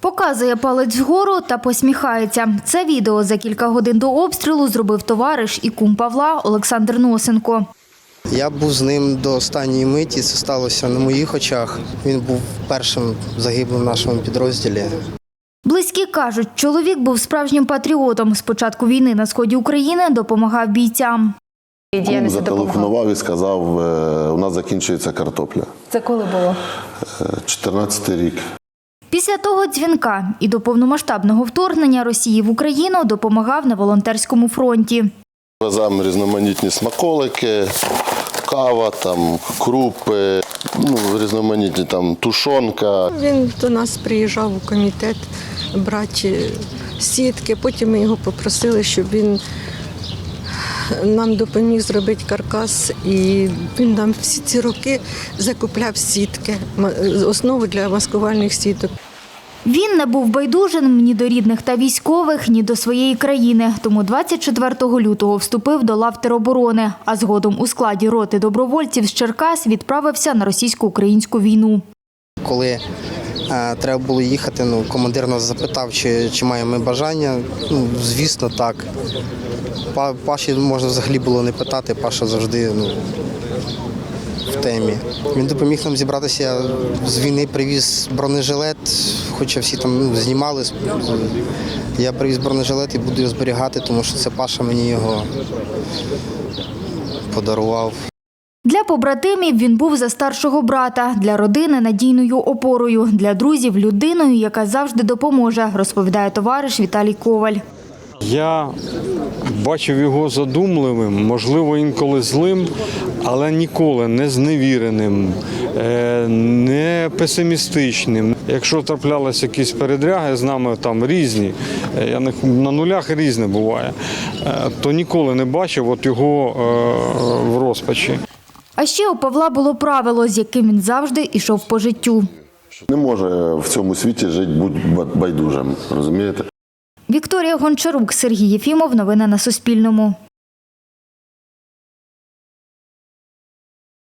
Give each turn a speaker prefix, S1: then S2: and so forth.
S1: Показує палець вгору та посміхається. Це відео за кілька годин до обстрілу зробив товариш і кум Павла Олександр Носенко.
S2: Я був з ним до останньої миті, це сталося на моїх очах. Він був першим загиблим в нашому підрозділі.
S1: Близькі кажуть, чоловік був справжнім патріотом. З початку війни на сході України допомагав бійцям.
S3: Кум зателефонував і сказав, у нас закінчується картопля.
S4: Це коли було?
S3: 14-й рік.
S1: Після того дзвінка і до повномасштабного вторгнення Росії в Україну допомагав на волонтерському фронті.
S3: Веземо різноманітні смаколики, кава, там, крупи, різноманітні там, тушонка.
S5: Він до нас приїжджав у комітет брати сітки. Потім ми його попросили, щоб він нам допоміг зробити каркас. І він нам всі ці роки закупляв сітки, основу для маскувальних сіток.
S1: Він не був байдужим ні до рідних та військових, ні до своєї країни. Тому 24 лютого вступив до лав тероборони, а згодом у складі роти добровольців з Черкас відправився на російсько-українську війну.
S2: Коли треба було їхати, командир нас запитав, чи маємо ми бажання. Звісно, так. Паші можна взагалі було не питати, Паша завжди в темі. Він допоміг нам зібратися. Я з війни привіз бронежилет, хоча всі там знімали. Я привіз бронежилет і буду його зберігати, тому що це Паша мені його подарував.
S1: Для побратимів він був за старшого брата, для родини – надійною опорою, для друзів – людиною, яка завжди допоможе, розповідає товариш Віталій Коваль.
S6: Я бачив його задумливим, можливо, інколи злим, але ніколи не зневіреним, не песимістичним. Якщо траплялися якісь передряги з нами там різні, на нулях різне буває, то ніколи не бачив його в розпачі.
S1: А ще у Павла було правило, з яким він завжди йшов по життю.
S3: Не може в цьому світі жити бути байдужим, розумієте?
S1: Вікторія Гончарук, Сергій Єфімов. Новини на Суспільному.